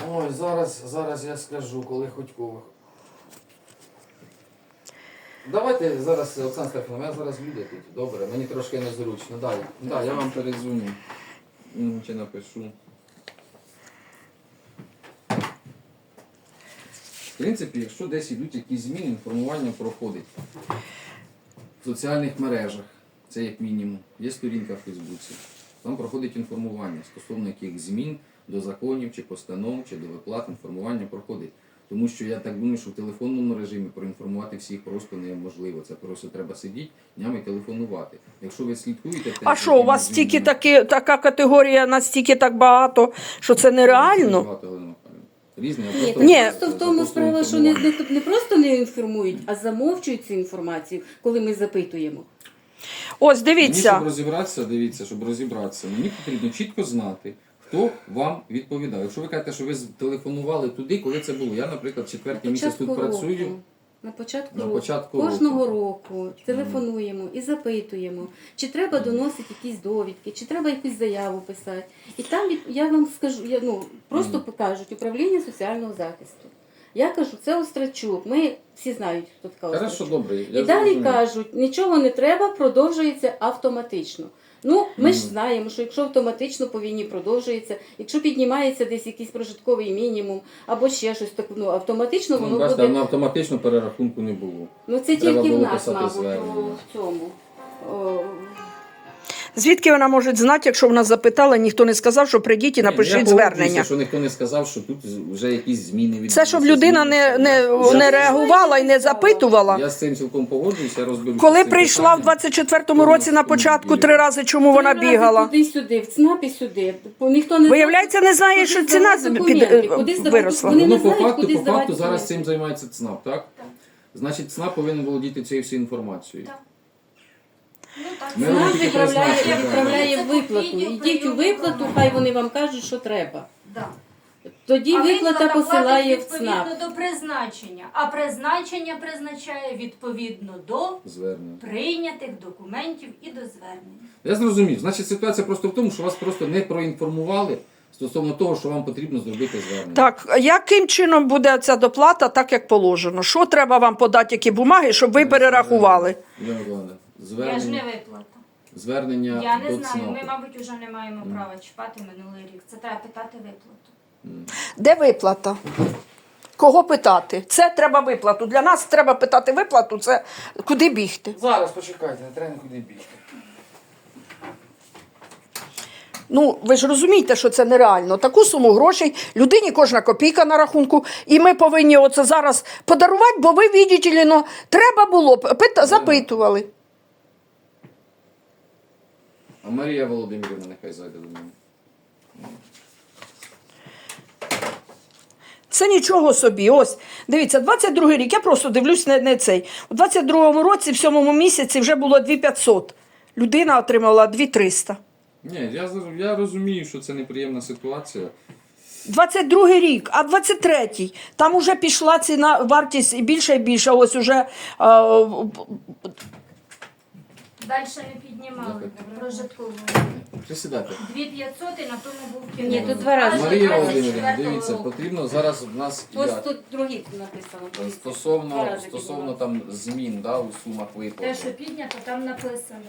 Ой, зараз я скажу, коли хоч кого. Давайте зараз, Олександр Стефанович, у мене зараз люди тут. Добре, мені трошки незручно. Далі. Да, я вам передзвоню. Чи напишу. В принципі, якщо десь йдуть якісь зміни, інформування проходить в соціальних мережах. Це як мінімум. Є сторінка в Фейсбуці. Там проходить інформування стосовно яких змін до законів, чи постанов, чи до виплат інформування проходить. Тому що я так думаю, що в телефонному режимі проінформувати всіх просто неможливо. Це просто треба сидіти днями і телефонувати. Якщо ви слідкуєте... А що, у вас стільки така категорія, настільки так багато, що це нереально? Багато, Галина Михайлівна. Різні, а Ні, просто- Ні. просто в тому справа, що не просто не інформують, а замовчують цю інформацію, коли ми запитуємо. Ось, Мені, дивіться. щоб розібратися, дивіться, щоб розібратися, мені потрібно чітко знати, хто вам відповідав. Якщо ви кажете, що ви телефонували туди, коли це було. Я, наприклад, четвертий місяць тут працюю. На початку На року. початку Кожного року телефонуємо і запитуємо, чи треба доносити якісь довідки, чи треба якусь заяву писати. І там я вам скажу, просто покажуть управління соціального захисту. Я кажу, це Острачук. Ми всі знають, хто така Хорошо, Острачук. добре. І далі кажуть, нічого не треба, продовжується автоматично. Ми ж знаємо, що якщо автоматично по війні продовжується, якщо піднімається десь якийсь прожитковий мінімум або ще щось, так автоматично воно бачите, буде. на автоматично перерахунку не було. Це Треба тільки в було нас, писати мабуть, звернення. в цьому. Звідки вона може знати, якщо вона запитала, ніхто не сказав, що прийдіть і Я напишіть погоджуюся, звернення. що ніхто не сказав, що тут вже якісь зміни відбулися. Це щоб людина не реагувала і не запитувала. Я з цим цілком погоджуюся, я розберуся. Коли з цим прийшла в питанням. 24-му році на початку 3 рази, чому вона бігала? Туди-сюди, в ЦНАП і сюди. Ніхто не Виявляється, не знає, куди що здавати ціна документи, куди здавати виросла. Вони не Ну, по знають, факту, куди по здавати факту зараз документи. цим займається ЦНАП, так? Значить, ЦНАП повинен володіти цією всією інформацією. Так. Ну, так. Ми ЦНАП робимо тільки призначення. відправляє Це виплату. відділ Йдіть у прийому виплату, громадян. хай вони вам кажуть, що треба. Да. Тоді А виплата платить посилає в відповідно ЦНАП. до призначення, а призначення призначає відповідно до Звернення. прийнятих документів і до звернень. Я зрозумів. Значить, ситуація просто в тому, що вас просто не проінформували стосовно того, що вам потрібно зробити звернення. Так, яким чином буде ця доплата, так як положено? Що треба вам подати, які бумаги, щоб ви перерахували? Ірина Миколаївна, Я ж не звернення, виплата. звернення Я не до знаю, ЦНАПу. ми, мабуть, вже не маємо права чіпати минулий рік. Це треба питати виплату. Де виплата? Кого питати? Це треба виплату. Для нас треба питати виплату, це куди бігти. Зараз почекайте, не треба нікуди бігти. Ну, ви ж розумієте, що це нереально. Таку суму грошей, людині кожна копійка на рахунку, і ми повинні оце зараз подарувати, бо ви, видите ли, треба було, запитували. А Марія Володимирівна нехай зайде до мене. Це нічого собі. Ось, дивіться, 22-й рік, я просто дивлюсь не цей. У 22-му році, в 7-му місяці вже було 2500. Людина отримала 2300. Ні, я розумію, що це неприємна ситуація. 22-й рік, а 23-й, там уже пішла ціна, вартість і більше, ось уже Далі не піднімали прожиткову. Присідайте. 2500 і на тому був Ні, кінець. тут 2 рази. Аж Марія 24-го Володимирівна, дивіться, року. потрібно зараз в нас Ось як? тут другі написано. Два Стосовно рази стосовно піднімали. там змін, да, у сумах Те, виплати. що піднято, там написано.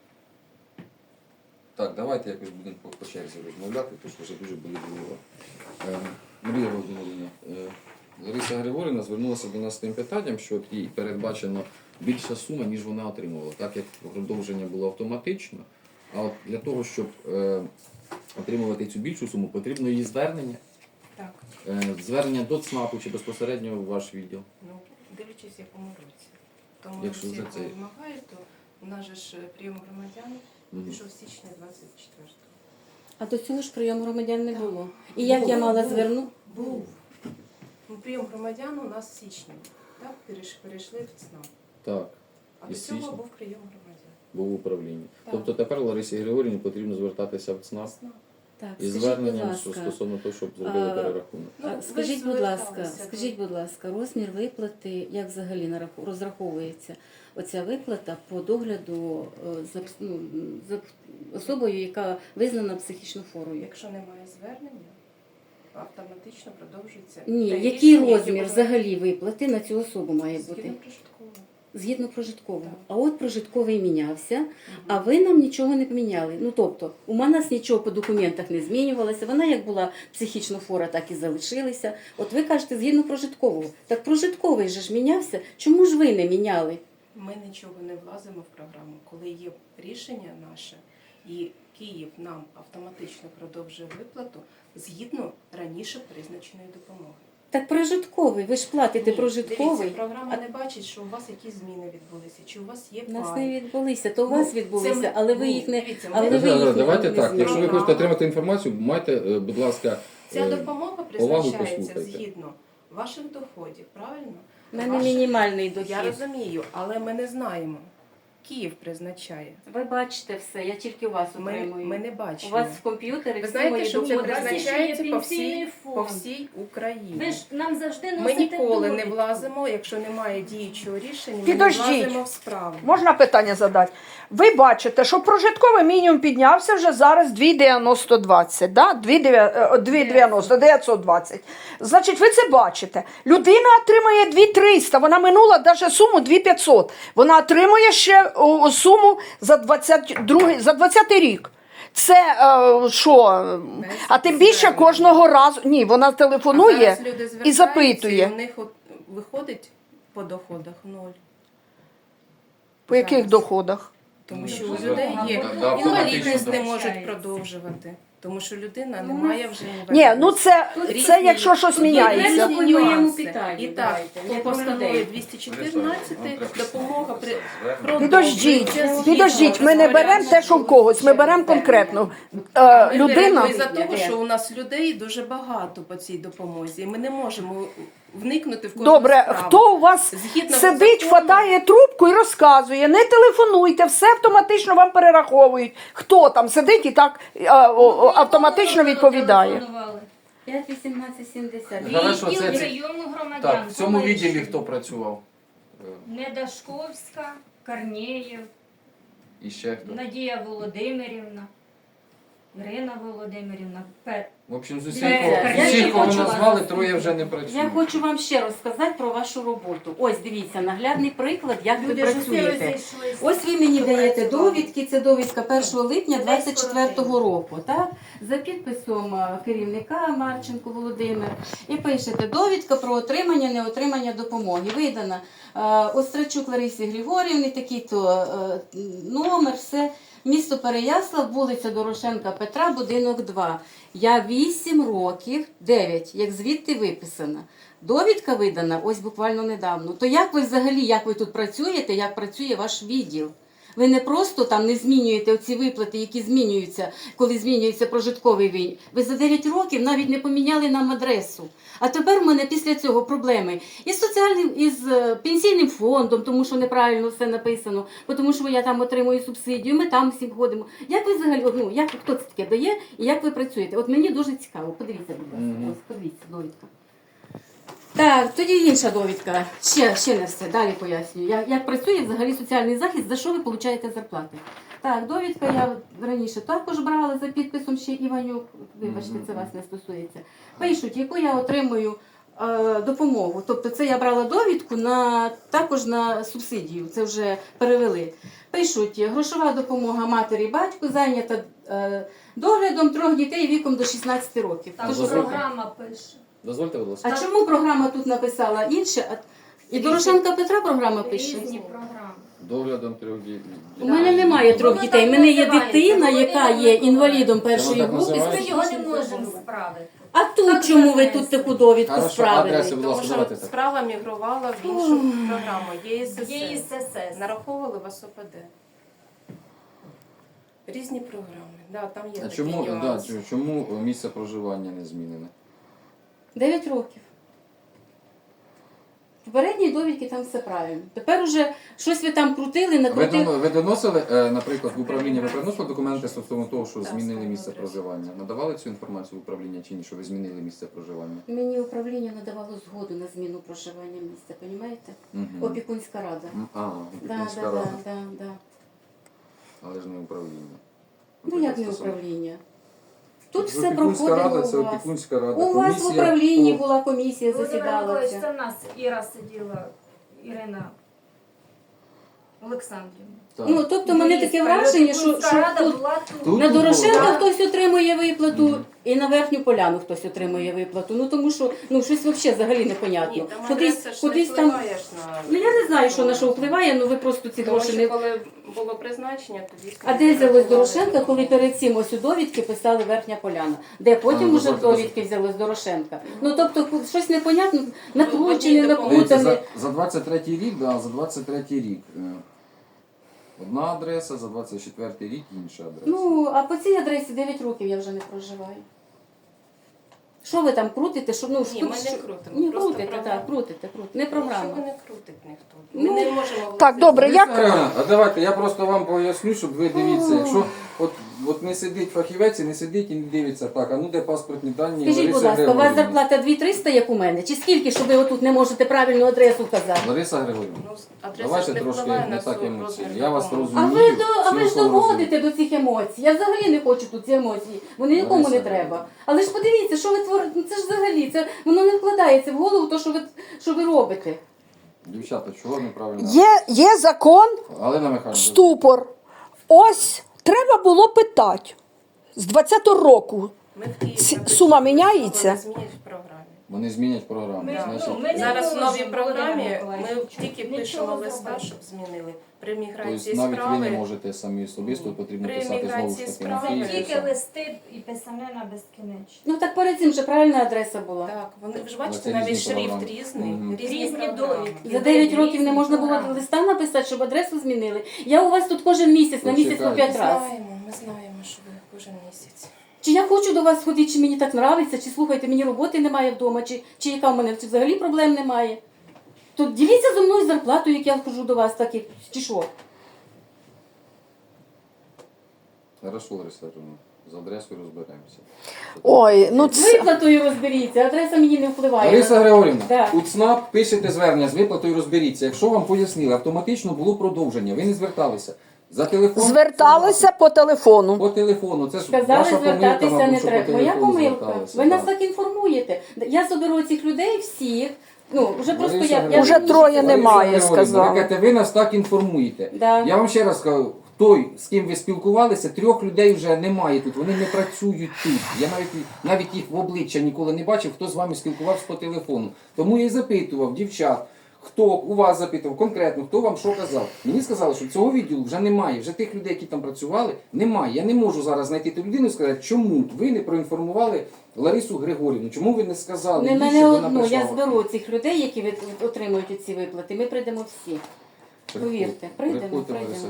Так, давайте якось будемо по черзі розмовляти, тому що вже дуже болить голова. Марія Володимирівна, Лариса Григорівна звернулася до нас з тим питанням, що от їй передбачено більша сума, ніж вона отримувала, так як продовження було автоматично. А от для того, щоб отримувати цю більшу суму, потрібно її звернення. Так, Звернення до ЦНАПу чи безпосередньо в ваш відділ. ну дивлячись, в якому році. Тому Якщо всі, за хто це- вимагає, то у нас же ж прийом громадян Мгм. пішов з січня 24-го. А до цього ж прийому громадян не було. І як я мала звернути? Був. Ну, прийом громадян у нас в січні. Так, перейшли в ЦНАП. Так, А до Із цього січня? був прийом громадян. був управління. Так. Тобто тепер Ларисі Григорівні потрібно звертатися в ЦНАП ЦНАП. Так, із скажіть, будь зверненням ласка. стосовно того, щоб зробили А, перерахунок. Ну, ви ж Скажіть, будь ласка, зверталися до- скажіть, будь ласка, розмір виплати, як взагалі розраховується оця виплата по догляду за особою, яка визнана психічно хворою? Якщо немає звернення, автоматично продовжується. Ні, те який рішення, яке розмір було взагалі виплати на цю особу має бути? згідно прожиткового. Згідно прожиткового. Так. А от прожитковий мінявся, а ви нам нічого не поміняли. Ну тобто, у нас нічого по документах не змінювалося, вона як була психічно хвора, так і залишилася. От ви кажете, згідно прожиткового. Так прожитковий же ж мінявся, чому ж ви не міняли? Ми нічого не влазимо в програму, коли є рішення наше, і Київ нам автоматично продовжує виплату згідно раніше призначеної допомоги. Так прожитковий, ви ж платите Ні, прожитковий. Дивіться, програма не бачить, що у вас якісь зміни відбулися, чи у вас є У нас пай. не відбулися, то у Ну, вас це відбулися, ми- але ви ні, їх не. дивіться, Але ми- ви їх Давайте не так, якщо ви змінили. хочете отримати інформацію, майте, будь ласка, Ця допомога увагу призначається послухайте. згідно ваших доходів, правильно? У мене Ваших- мінімальний дохід. Я розумію, але ми не знаємо. Київ призначає. Ви бачите все, я тільки у вас Ми отримую. не У бачимо. вас в комп'ютері Ви всі знаєте, мої що це доходи. призначається є по пенсійний всій, фонд. по всій Україні. Ви ж нам завжди Ми носите ніколи не довідку. влазимо, якщо немає діючого рішення, ми Підождіть. не влазимо в справу. Можна питання задати? Ви бачите, що прожитковий мінімум піднявся вже зараз 2,920, да? 2,90, 920. Значить, ви це бачите. Людина отримує 2,300, вона минула навіть суму 2,500. Вона отримує ще суму за 20 рік. Це що? А тим більше звернення. кожного разу. Ні, вона А телефонує зараз люди і звертаються, запитує. і у них от виходить по доходах 0. По яких Зараз. доходах? Тому що Ну, у людей є да, інвалідність, не автоматично, можуть да. продовжувати. Тому що людина не Ну, має вже Ні, інвалідності. ну це Різні- якщо щось тут є міняється. різні По моєму нюанси. питанню І так, давайте, по як про постанові людей. 214 допомога при Підождіть, продовжується підождіть, згідно ми не беремо те, що в когось, ми беремо конкретно. Людина. Ми за того, що у нас людей дуже багато по цій допомозі, і ми не можемо вникнути в кожну Добре, справу. хто у вас Згідно сидить, закону- хватає трубку і розказує, не телефонуйте, все автоматично вам перераховують. Хто там сидить і так автоматично відповідає. Телефонували. 5,18,70. Хорошо, Відділ це- прийому громадян. Так, в цьому Колишній. відділі хто працював? Недашковська, Корнєєв, І ще хто? Надія Володимирівна, Ірина Володимирівна. В общем, з Я усіх, кого ви хочу- назвали, троє вже не Я працюють. хочу вам ще розказати про вашу роботу. Ось дивіться, наглядний приклад, як ви Люди ж усі працюєте. розійшлися. Ось ви мені Хто даєте працював? довідки, це довідка 1 липня Десь 24-го року, так? За підписом керівника Марченко Володимир. І пишете, довідка про отримання, неотримання допомоги. Видана Острачук Ларисі Григорівні, такий-то номер, все. Місто Переяслав, вулиця Дорошенка Петра, будинок 2. Я 8 років, 9, як звідти виписана. Довідка видана ось буквально недавно. То як ви взагалі, як ви тут працюєте, як працює ваш відділ? Ви не просто там не змінюєте оці виплати, які змінюються, коли змінюється прожитковий винь. Ви за 9 років навіть не поміняли нам адресу. А тепер в мене після цього проблеми із соціальним, із пенсійним фондом, тому що неправильно все написано, тому що я там отримую субсидію, ми там всім ходимо. Як ви взагалі, ну, як, хто це таке дає і як ви працюєте? От мені дуже цікаво. Подивіться, будь ласка, ось, подивіться, довідка. Так, тоді інша довідка. Ще не все, далі пояснюю. Як працює взагалі соціальний захист, за що ви отримуєте зарплати? Так, довідка я раніше також брала за підписом ще Іванюк. Вибачте, це вас не стосується. Пишуть, яку я отримую допомогу. Тобто це я брала довідку також на субсидію, це вже перевели. Пишуть, грошова допомога матері і батьку зайнята доглядом 3 дітей віком до 16 років. Там Тож, програма пише. Дозвольте, будь ласка. а чому програма тут написала інше? І Дорошенка Петра програма пише. Різні програми. Доглядом 3 дітей. У мене немає 3 Воно дітей. У так мене є називається, дитина, яка є інвалідом першої Воно так групи. називається? Ми його не можемо справити. А тут Так чому ви занесли. тут таку довідку Хорошо, справили? адреси, будь Тому ласка, що давайте так. справа мігрувала в іншу програму. ЄСС. ЄСС. Нараховували в СОПД. Різні програми. Да, там є А такі чому, нюанси. чому місце проживання не змінене? 9 років. В попередній довідці там все правильно. Тепер уже щось ви там крутили, накрутили. Ви доносили, наприклад, в управління, ви приносили документи стосовно того, що Так, змінили стосовно місце адресу. проживання? Надавали цю інформацію в управління чи ні, що ви змінили місце проживання? Мені управління надавало згоду на зміну проживання місця, розумієте? Опікунська рада. Да. Опікунська рада, але ж не управління. Ну як не Стосовно- управління? Тут все Опікунська проходило рада, це у вас. опікунська рада. У вас в Комісія управлінні по- була комісія, Володимир засідала. Миколаївич, ця. це в нас Іра сиділа, Ірина Олександрівна. Так. Ну, тобто мене таке враження, що рада тут була Тут на Дорошенка було. хтось отримує виплату, і на Верхню Поляну хтось отримує виплату. Ну тому що щось взагалі непонятно. Ні, там адреса ж не Кудись там. впливаєш на... Ну я не знаю, що на що впливає, ви просто ці Тому гроші що не. коли було призначення, тоді... А де взялось Дорошенка, коли перед цим ось у довідки писали Верхня Поляна? Де потім уже в довідки взялось Дорошенка? Ну тобто щось непонятно, накручене, Дивіться, напутане. за 23-й рік, да, за 23-й рік одна адреса, за 24-й рік інша адреса. Ну, а по цій адресі 9 років я вже не проживаю. Що ви там крутите? Що, ну, Ні, ми що- не крутимо, Ні, просто крутите, програма. так, крутите. Не Що програма. ви не крутить ніхто? Ну, Ми не можемо... Так, добре, Лариса як Григорівна, а давайте я просто вам поясню, щоб ви дивіться. Якщо от не сидить фахівець і не сидить і не дивиться, так, а ну де паспортні дані Скажіть, будь Лариси ласка, у вас Григорівни? зарплата 2300, як у мене? Чи скільки, що ви отут не можете правильну адресу казати? Лариса Григорівна, Ну, адреса давайте ж не трошки впливає не на так розмір емоційно. Я вас допомоги. розумію. А ви ж цілком доводите до цих емоцій. Я взагалі не хочу тут ці емоції. Вони нікому не Лариса, треба. Але ж подивіться, що ви творите. Ну це ж взагалі, воно не вкладається в голову, то, що ви робите. Дівчата, чого неправильно? є закон, Галина Михайлівна. ступор. Ось треба було питати. З 20-го року. Ми в Києві Сума написали, міняється? що вони змінять в програмі. Вони змінять програму. Ми, Значить, ми не Зараз в можемо, новій програмі Володимир ми Миколаївич, тільки нічого пишемо листа, зробити. щоб змінили. При тобто міграції навіть ви справи... не можете самі особисто, потрібно При писати знову ж міграції таки. справи на Це Київ. тільки листи і писанина безкінечно. Ну так перед цим же правильна адреса була. Так, вони ви ж Але бачите, це навіть різні шрифт програми. різний, Мгм. Різні програми. довідки. За 9 років не можна було Програми. листа написати, щоб адресу змінили. Я у вас тут кожен місяць, на місяць по Почекайте. 5 разів. Ми знаємо, що ви кожен місяць. Чи я хочу до вас ходити, чи мені так нравиться, чи слухайте, мені роботи немає вдома, чи яка в мене чи взагалі проблем немає. То діліться зі мною зарплатою, як я хожу до вас, так як, чи що? Хорошо, Лариса Григорівна, з адресою розберемося. Ой, ну З це... виплатою розберіться, адреса мені не впливає. Лариса Григорівна, Да. у ЦНАП пишете звернення з виплатою розберіться. Якщо вам пояснили, автоматично було продовження, ви не зверталися. За телефон Зверталися по телефону. по телефону. Це ж Сказали, ваша помилка, звертатися мабуть, не що по треба. Моя телефону помилка. зверталися, Ви нас так. так інформуєте. Я соберу цих людей всіх. Ну, вже просто Лариса я Григорівна, Уже троє Лариса немає, Григорівна, сказали. Ви кажете, ви нас так інформуєте. Да. Я вам ще раз кажу, той, з ким ви спілкувалися, 3 людей вже немає тут, вони не працюють тут. Я навіть їх в обличчя ніколи не бачив, хто з вами спілкувався по телефону. Тому я і запитував дівчат, хто у вас запитував конкретно, хто вам що казав. Мені сказали, що цього відділу вже немає, вже тих людей, які там працювали, немає. Я не можу зараз знайти ту людину і сказати, чому ви не проінформували Ларису Григорівну, чому ви не сказали, Не їй, мене щоб вона одну, я прийшла? зберу цих людей, які отримують ці виплати. Ми прийдемо всі. Повірте, прийдемо.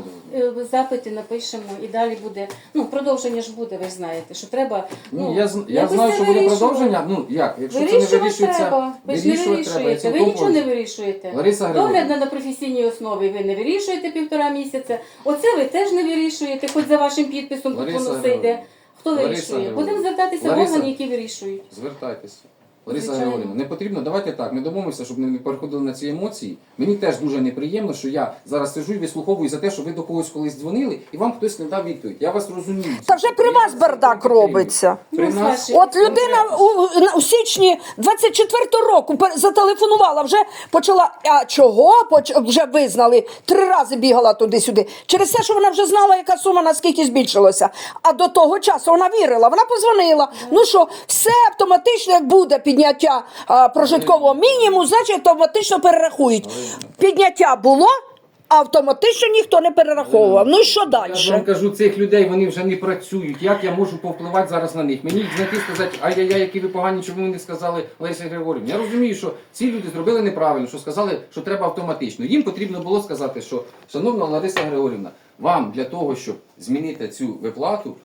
Запити напишемо і далі буде. Ну, продовження ж буде, ви ж знаєте, що треба. Ну, я якось знаю, це що буде вирішувати. продовження. Ну як, якщо це не Вирішувати вирішується, треба. Ви ж не вирішувати треба. Я вирішуєте. Ви цілком нічого не погоджуюсь. вирішуєте. Лариса Григорівна. Догляд на професійній основі ви не вирішуєте 1,5 місяця. Оце ви теж не вирішуєте, хоч за вашим підписом тут Лариса воно все Григорівна. йде. Хто Лариса вирішує? Григорівна. Будемо звертатися в Лариса. органи, які вирішують. Звертайтеся. Лариса Звичайно. Григорівна, не потрібно, давайте так, не домовимося, щоб не переходили на ці емоції. Мені теж дуже неприємно, що я зараз сиджу і вислуховую за те, що ви до когось колись дзвонили, і вам хтось не дав відповідь. Я вас розумію. Та вже при вас бардак робиться. При Ну, нас... Саша, От людина у січні 24-го року зателефонувала, вже почала, а чого? Вже визнали, 3 рази бігала туди-сюди. Через те, що вона вже знала, яка сума наскільки збільшилася. А до того часу вона вірила, вона позвонила. Ну що, все автоматично, як буде підняття прожиткового мінімуму, значить автоматично перерахують. Підняття було, а автоматично ніхто не перераховував. Ну і що далі? Я ж вам кажу, цих людей, вони вже не працюють. Як я можу повпливати зараз на них? Мені їх знайти і сказати, ай-яй-яй, які ви погані, чому ви не сказали Ларисі Григорівні. Я розумію, що ці люди зробили неправильно, що сказали, що треба автоматично. Їм потрібно було сказати, що, шановна Лариса Григорівна, вам для того, щоб змінити цю виплату,